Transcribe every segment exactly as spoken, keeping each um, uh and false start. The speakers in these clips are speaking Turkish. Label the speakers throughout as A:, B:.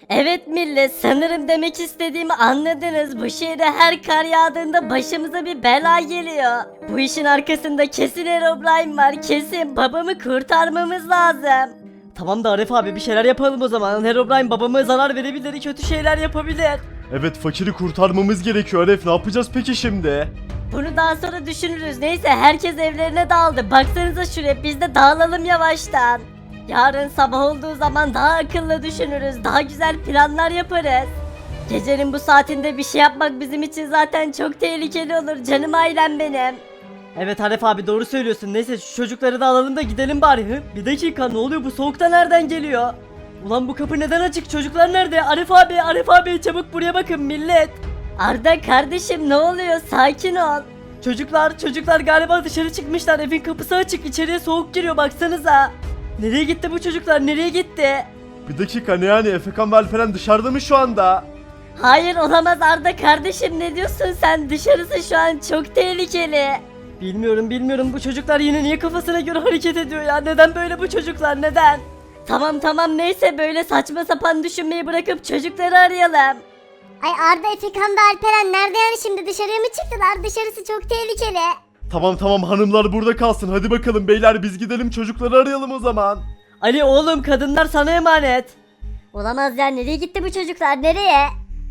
A: Evet millet, sanırım demek istediğimi anladınız. Bu şehre her kar yağdığında başımıza bir bela geliyor. Bu işin arkasında kesin Herobrine var, kesin babamı kurtarmamız lazım.
B: Tamam da Arif abi bir şeyler yapalım o zaman. Herobrine babama zarar verebilir, kötü şeyler yapabilir.
C: Evet, fakiri kurtarmamız gerekiyor Arif, ne yapacağız peki şimdi?
A: Bunu daha sonra düşünürüz. Neyse, herkes evlerine dağıldı. Baksanıza şuraya, biz de dağılalım yavaştan. Yarın sabah olduğu zaman daha akıllı düşünürüz. Daha güzel planlar yaparız. Gecenin bu saatinde bir şey yapmak bizim için zaten çok tehlikeli olur. Canım ailem benim.
B: Evet Arif abi doğru söylüyorsun. Neyse şu çocukları da alalım da gidelim bari. Hı? Bir dakika, ne oluyor, bu soğukta nereden geliyor? Ulan bu kapı neden açık, çocuklar nerede? Arif abi, Arif abi çabuk buraya bakın millet.
A: Arda kardeşim, ne oluyor? Sakin ol.
B: Çocuklar çocuklar galiba dışarı çıkmışlar, evin kapısı açık, içeriye soğuk giriyor baksanıza. Nereye gitti bu çocuklar, nereye gitti?
C: Bir dakika, ne yani, Efekan ve Alperen dışarıda mı şu anda?
A: Hayır, olamaz Arda kardeşim, ne diyorsun sen? Dışarısı şu an çok tehlikeli.
B: Bilmiyorum bilmiyorum, bu çocuklar yine niye kafasına göre hareket ediyor ya, neden böyle bu çocuklar, neden?
A: Tamam tamam, neyse, böyle saçma sapan düşünmeyi bırakıp çocukları arayalım.
D: Ay Arda, Efekan ve Alperen nerede yani, şimdi dışarıya mı çıktılar? Dışarısı çok tehlikeli.
C: Tamam tamam, hanımlar burada kalsın, hadi bakalım beyler, biz gidelim çocukları arayalım o zaman.
B: Ali oğlum, kadınlar sana emanet.
D: Olamaz ya, nereye gitti bu çocuklar, nereye?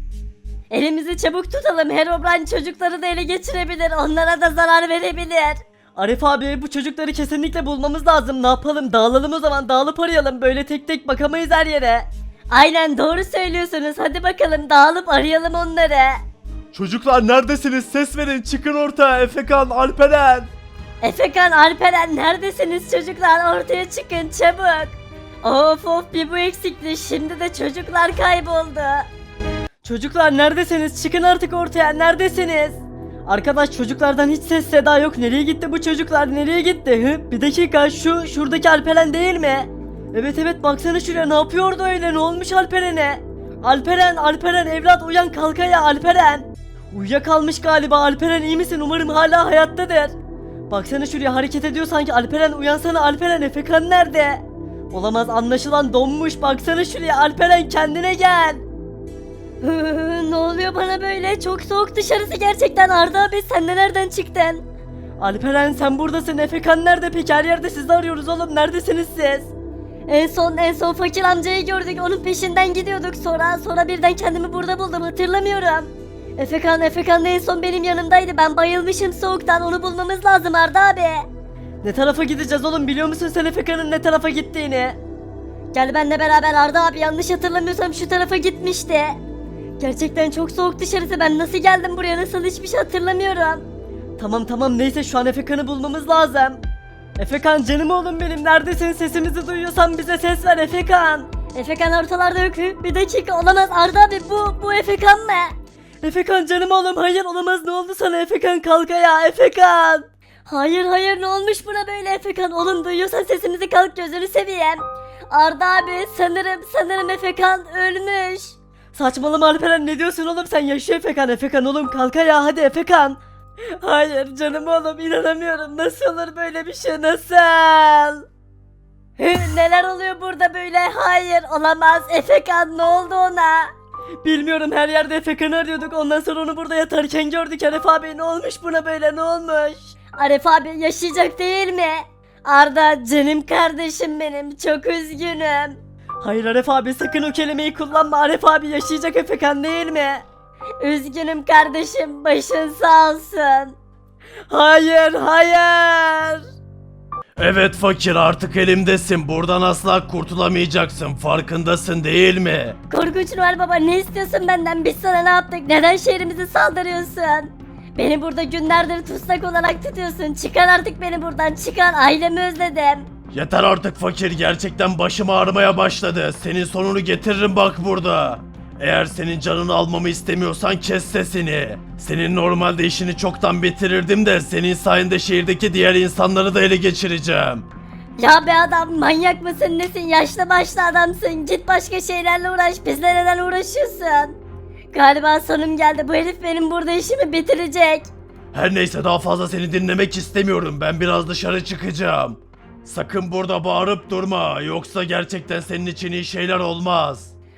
A: Elimizi çabuk tutalım, Herobrine çocukları da ele geçirebilir, onlara da zarar verebilir.
B: Arif abi, bu çocukları kesinlikle bulmamız lazım, ne yapalım, dağılalım o zaman, dağılıp arayalım, böyle tek tek bakamayız her yere.
A: Aynen, doğru söylüyorsunuz, hadi bakalım dağılıp arayalım onları.
C: Çocuklar neredesiniz, ses verin, çıkın ortaya, Efekan, Alperen.
A: Efekan, Alperen, neredesiniz çocuklar, ortaya çıkın çabuk. Of of, bir bu eksikti, şimdi de çocuklar kayboldu.
B: Çocuklar neredesiniz, çıkın artık ortaya, neredesiniz? Arkadaş, çocuklardan hiç ses seda yok, nereye gitti bu çocuklar, nereye gitti? Hı? Bir dakika, şu şuradaki Alperen değil mi? Evet evet, baksana şuraya, ne yapıyordu öyle, ne olmuş Alperen'e? Alperen, Alperen evlat, uyan, kalk ayağa Alperen. Uyuyakalmış galiba. Alperen iyi misin? Umarım hala hayattadır. Baksana şuraya, hareket ediyor sanki. Alperen uyansana Alperen, Efekan nerede? Olamaz, anlaşılan donmuş, baksana şuraya Alperen, kendine gel.
A: Ne oluyor bana böyle, çok soğuk dışarısı gerçekten. Arda abi, sen de nereden çıktın?
B: Alperen sen buradasın, Efekan nerede peki? Her yerde sizi arıyoruz oğlum, neredesiniz siz?
A: En son en son fakir amcayı gördük, onun peşinden gidiyorduk, sonra sonra birden kendimi burada buldum, hatırlamıyorum. Efekan Efekan da en son benim yanımdaydı, ben bayılmışım soğuktan, onu bulmamız lazım Arda abi.
B: Ne tarafa gideceğiz oğlum, biliyor musun sen Efekan'ın ne tarafa gittiğini?
A: Gel benimle beraber Arda abi, yanlış hatırlamıyorsam şu tarafa gitmişti. Gerçekten çok soğuk dışarısı, ben nasıl geldim buraya, nasıl, hiçbir şey hatırlamıyorum.
B: Tamam tamam, neyse şu an Efekan'ı bulmamız lazım. Efekan canım oğlum benim, neredesin, sesimizi duyuyorsan bize ses ver Efekan.
A: Efekan ortalarda yok. Bir dakika, olamaz Arda abi, bu bu Efekan mı?
B: Efekan canım oğlum, hayır olamaz, ne oldu sana Efekan, kalk ayağa Efekan.
A: Hayır hayır, ne olmuş buna böyle Efekan, oğlum duyuyorsan sesimizi, kalk, gözünü seveyim. Arda abi, sanırım sanırım Efekan ölmüş.
B: Saçmalama Alperen, ne diyorsun oğlum sen, yaşıyor Efekan, Efekan oğlum kalk ayağa hadi Efekan. Hayır canım oğlum, inanamıyorum, nasıl olur böyle bir şey, nasıl?
A: Hı, neler oluyor burada böyle, hayır olamaz, Efekan ne oldu ona?
B: Bilmiyorum, her yerde Efekan'ı arıyorduk, ondan sonra onu burada yatarken gördük. Arif abi ne olmuş buna böyle, ne olmuş?
A: Arif abi yaşayacak değil mi? Arda canım kardeşim benim, çok üzgünüm.
B: Hayır Arif abi, sakın o kelimeyi kullanma, Arif abi yaşayacak Efekan değil mi?
A: Üzgünüm kardeşim, başın sağ olsun.
B: Hayır hayır.
C: Evet fakir, artık elimdesin, buradan asla kurtulamayacaksın, farkındasın değil mi?
A: Korkunç Noel Baba, ne istiyorsun benden, biz sana ne yaptık, neden şehrimize saldırıyorsun? Beni burada günlerdir tutsak olarak tutuyorsun, çıkar artık beni buradan, çıkar, ailemi özledim.
C: Yeter artık fakir, gerçekten başım ağrımaya başladı, senin sonunu getiririm bak burada. Eğer senin canını almamı istemiyorsan kes sesini. Senin normalde işini çoktan bitirirdim de senin sayende şehirdeki diğer insanları da ele geçireceğim.
A: Ya be adam, manyak mısın nesin, yaşlı başlı adamsın, git başka şeylerle uğraş, bizle neden uğraşıyorsun? Galiba sonum geldi, bu herif benim burada işimi bitirecek.
C: Her neyse, daha fazla seni dinlemek istemiyorum, ben biraz dışarı çıkacağım. Sakın burada bağırıp durma, yoksa gerçekten senin için iyi şeyler olmaz.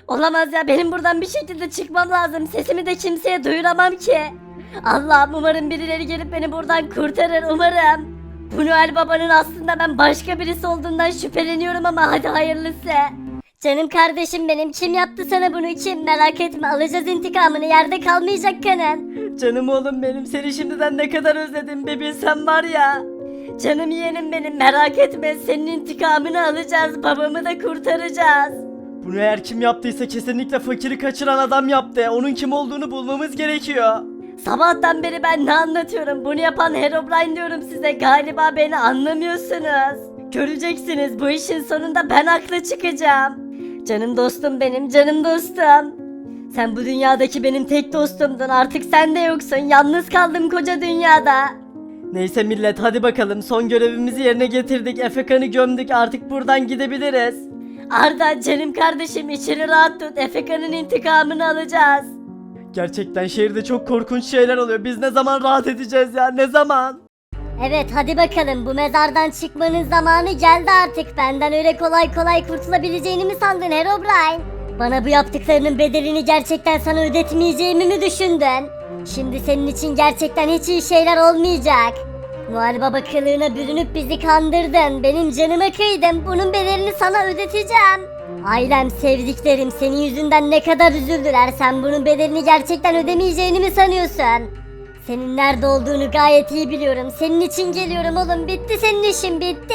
A: Olamaz ya, benim buradan bir şekilde çıkmam lazım. Sesimi de kimseye duyuramam ki. Allah'ım, umarım birileri gelip beni buradan kurtarır, umarım. Bu Noel Baba'nın aslında ben başka birisi olduğundan şüpheleniyorum ama hadi hayırlısı. Canım kardeşim benim, kim yaptı sana bunu, kim? Merak etme, alacağız intikamını, yerde kalmayacak kanın.
B: Canım oğlum benim, seni şimdiden ne kadar özledim bir bilsen var ya.
A: Canım yeğenim benim, merak etme, senin intikamını alacağız, babamı da kurtaracağız.
B: Bunu eğer kim yaptıysa kesinlikle fakiri kaçıran adam yaptı. Onun kim olduğunu bulmamız gerekiyor.
A: Sabahtan beri ben ne anlatıyorum, bunu yapan Herobrine diyorum size, galiba beni anlamıyorsunuz. Göreceksiniz, bu işin sonunda ben haklı çıkacağım. Canım dostum benim, canım dostum. Sen bu dünyadaki benim tek dostumdun, artık sen de yoksun, yalnız kaldım koca dünyada.
B: Neyse millet, hadi bakalım, son görevimizi yerine getirdik. Efekan'ı gömdük, artık buradan gidebiliriz.
A: Arda canım kardeşim, içini rahat tut, Efeka'nın intikamını alacağız.
B: Gerçekten şehirde çok korkunç şeyler oluyor. Biz ne zaman rahat edeceğiz ya, ne zaman?
D: Evet hadi bakalım, bu mezardan çıkmanın zamanı geldi artık. Benden öyle kolay kolay kurtulabileceğini mi sandın Herobrine? Bana bu yaptıklarının bedelini gerçekten sana ödetmeyeceğimi mi düşündün? Şimdi senin için gerçekten hiç iyi şeyler olmayacak. Noel Baba kılığına bürünüp bizi kandırdın. Benim canıma kıydın. Bunun bedelini sana ödeteceğim. Ailem, sevdiklerim senin yüzünden ne kadar üzüldüler. Sen bunun bedelini gerçekten ödemeyeceğini mi sanıyorsun? Senin nerede olduğunu gayet iyi biliyorum. Senin için geliyorum oğlum. Bitti senin işin, bitti.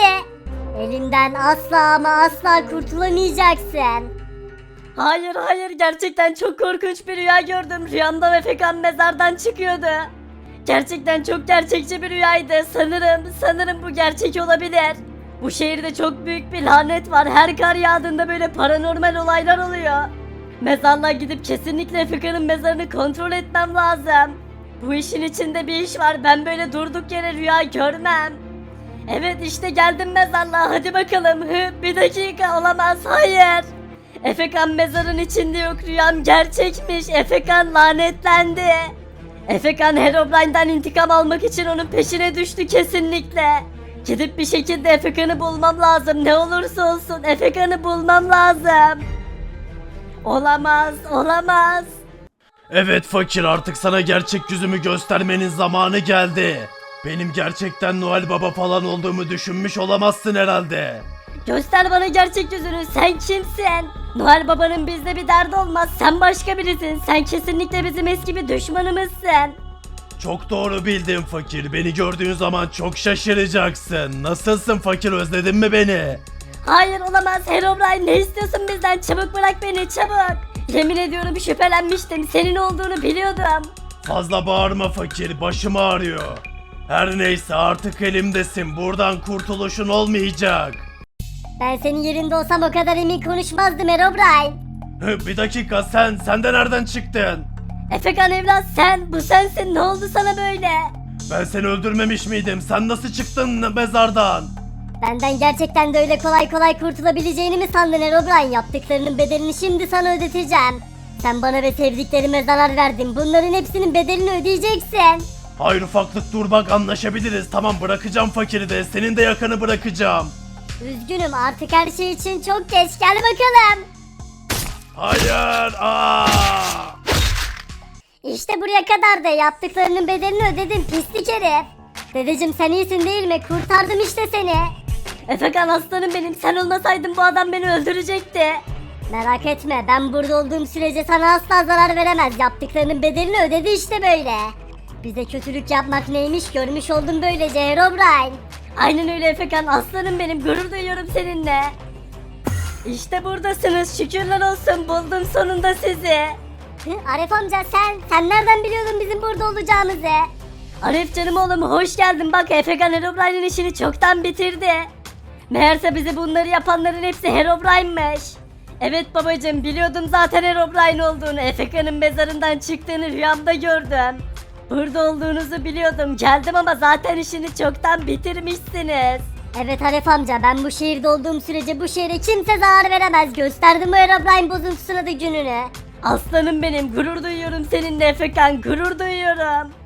D: Elimden asla ama asla kurtulamayacaksın.
A: Hayır hayır, gerçekten çok korkunç bir rüya gördüm. Rüyamda Efekan mezardan çıkıyordu. Gerçekten çok gerçekçi bir rüyaydı. Sanırım, sanırım bu gerçek olabilir. Bu şehirde çok büyük bir lanet var. Her kar yağdığında böyle paranormal olaylar oluyor. Mezarlığa gidip kesinlikle Efekan'ın mezarını kontrol etmem lazım. Bu işin içinde bir iş var. Ben böyle durduk yere rüya görmem. Evet işte geldim mezarlığa. Hadi bakalım. Hı, bir dakika, olamaz. Hayır. Efekan mezarın içinde yok. Rüyam gerçekmiş. Efekan lanetlendi. Efekan Herobrine'den intikam almak için onun peşine düştü kesinlikle. Gidip bir şekilde Efekan'ı bulmam lazım. Ne olursa olsun Efekan'ı bulmam lazım. Olamaz, olamaz.
C: Evet fakir, artık sana gerçek yüzümü göstermenin zamanı geldi. Benim gerçekten Noel Baba falan olduğumu düşünmüş olamazsın herhalde.
A: Göster bana gerçek yüzünü. Sen kimsin? Noel Baba'nın bizde bir derdi olmaz. Sen başka birisin. Sen kesinlikle bizim eski bir düşmanımızsın.
C: Çok doğru bildin fakir. Beni gördüğün zaman çok şaşıracaksın. Nasılsın fakir, özledin mi beni?
A: Hayır olamaz. Herobrine, ne istiyorsun bizden? Çabuk bırak beni, çabuk. Yemin ediyorum şüphelenmiştim. Senin olduğunu biliyordum.
C: Fazla bağırma fakir, başım ağrıyor. Her neyse, artık elimdesin. Buradan kurtuluşun olmayacak.
D: Ben senin yerinde olsam o kadar emin konuşmazdım Herobrine.
C: Hı, bir dakika, sen, sen de nereden çıktın?
A: Efekan evlat, sen, bu sensin. Ne oldu sana böyle?
C: Ben seni öldürmemiş miydim? Sen nasıl çıktın mezardan?
D: Benden gerçekten de öyle kolay kolay kurtulabileceğini mi sandın Herobrine? Yaptıklarının bedelini şimdi sana ödeteceğim. Sen bana ve sevdiklerime zarar verdin. Bunların hepsinin bedelini ödeyeceksin.
C: Hayır ufaklık, dur bak, anlaşabiliriz. Tamam, bırakacağım fakiri de, senin de yakanı bırakacağım.
D: Üzgünüm, artık her şey için çok geç. Gel bakalım.
C: Hayır, aa!
D: İşte buraya kadar da yaptıklarının bedelini ödedin pislik herif. Dedeciğim sen iyisin değil mi? Kurtardım işte seni.
A: Efekan aslanım benim. Sen olmasaydın bu adam beni öldürecekti.
D: Merak etme, ben burada olduğum sürece sana asla zarar veremez. Yaptıklarının bedelini ödedi işte böyle. Bize kötülük yapmak neymiş görmüş oldum böylece Herobrine.
A: Aynen öyle Efekan, aslanım benim. Gurur duyuyorum seninle. İşte buradasınız. Şükürler olsun, buldum sonunda sizi.
D: Hı, Arif amca sen, sen nereden biliyordun bizim burada olacağımızı?
A: Arif canım oğlum, hoş geldin. Bak Efekan Herobrine'in işini çoktan bitirdi. Meğerse bize bunları yapanların hepsi Herobrine'miş. Evet babacığım, biliyordum zaten Herobrine olduğunu. Efekan'ın mezarından çıktığını rüyamda gördüm. Burada olduğunuzu biliyordum. Geldim ama zaten işini çoktan bitirmişsiniz.
D: Evet Arif amca, ben bu şehirde olduğum sürece bu şehre kimse zarar veremez. Gösterdim bu Herobrine bozuntusuna da gününü.
A: Aslanım benim, gurur duyuyorum seninle Efekan, gurur duyuyorum.